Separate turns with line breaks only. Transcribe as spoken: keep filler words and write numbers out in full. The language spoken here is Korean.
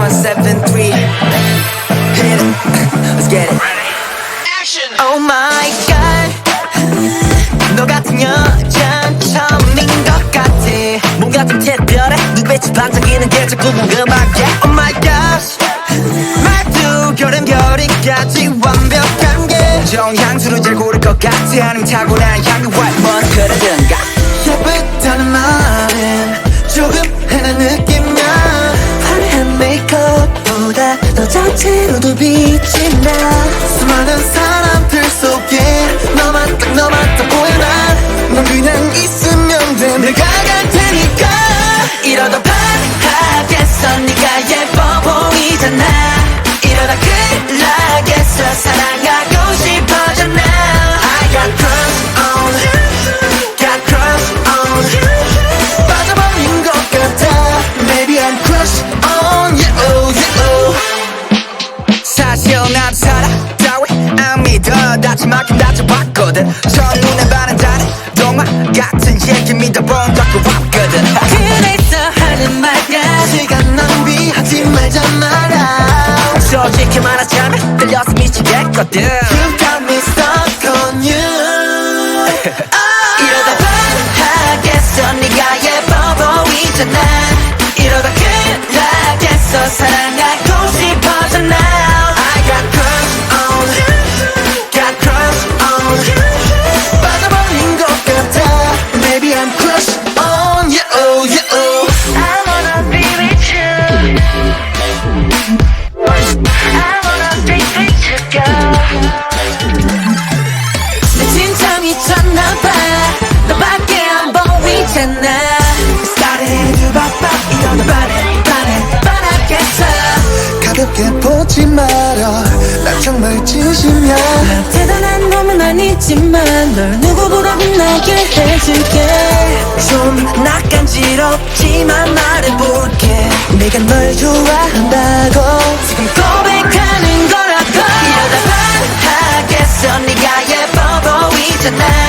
one seven three. Hit it. Let's get it. Action. Oh my god. 너 같은 여잔 처음인 것 같아. 뭔가 좀 특별해. 눈빛이 반짝이는 게 자꾸 궁금하게. Oh my gosh. 말투 결음결이까지 완벽한 게 좋은 향수를 잘 고를 것 같아. 아니면 타고난 향기 white 뭐 그러든가. 예쁘다는 말은 조금 해는 느낌이야. 화려한 메이크업보다 너 자체로도 빛이 나. 수많은 사람들 속에 너만 딱 너만 딱 보여. 넌 그냥 있으면 돼. 내가 갈 테니까. 이러다 반하겠어. 네가 예뻐 보이잖아. 이러다 큰일 나겠어. 사랑하고 싶어져 now. I got crush on, got crush on. 빠져버린 것 같아. Baby I'm crush on you, you. 사실 나도 사랑따위 안 믿어. 다치만큼 다쳐봤거든. 첫눈에 반한 다른 동화 같은 얘기 믿어본 적도 없거든. 그래서 하는 말야 시간 낭비하지 말자 말아. 솔직히 말하자면 들려서 미치겠거든. You got me stuck on you. 이러다 반하겠어. 네가 예뻐 보이잖아. 이러다 큰일 나겠어. 사랑하고 싶어져 now. I got crush on, got crush on. 빠져버린 것 같아. Baby I'm crush on you, you. I wanna be with you. I wanna be with you, girl. 내 진짜 미쳤나봐. 너밖에 안 보이잖아. Started to pop up. 이러다 반해 반해 반하겠어. 가볍게 보지 마라. 난 정말 진심이야. 난 대단한 놈은 아니지만 널 누구보다 빛나게 해줄게. 좀 낯간지럽지만 말해볼게. 내가 널 좋아한다고 지금 고백하는 거라고. 이러다 반하겠어. 네가 예뻐 보이잖아.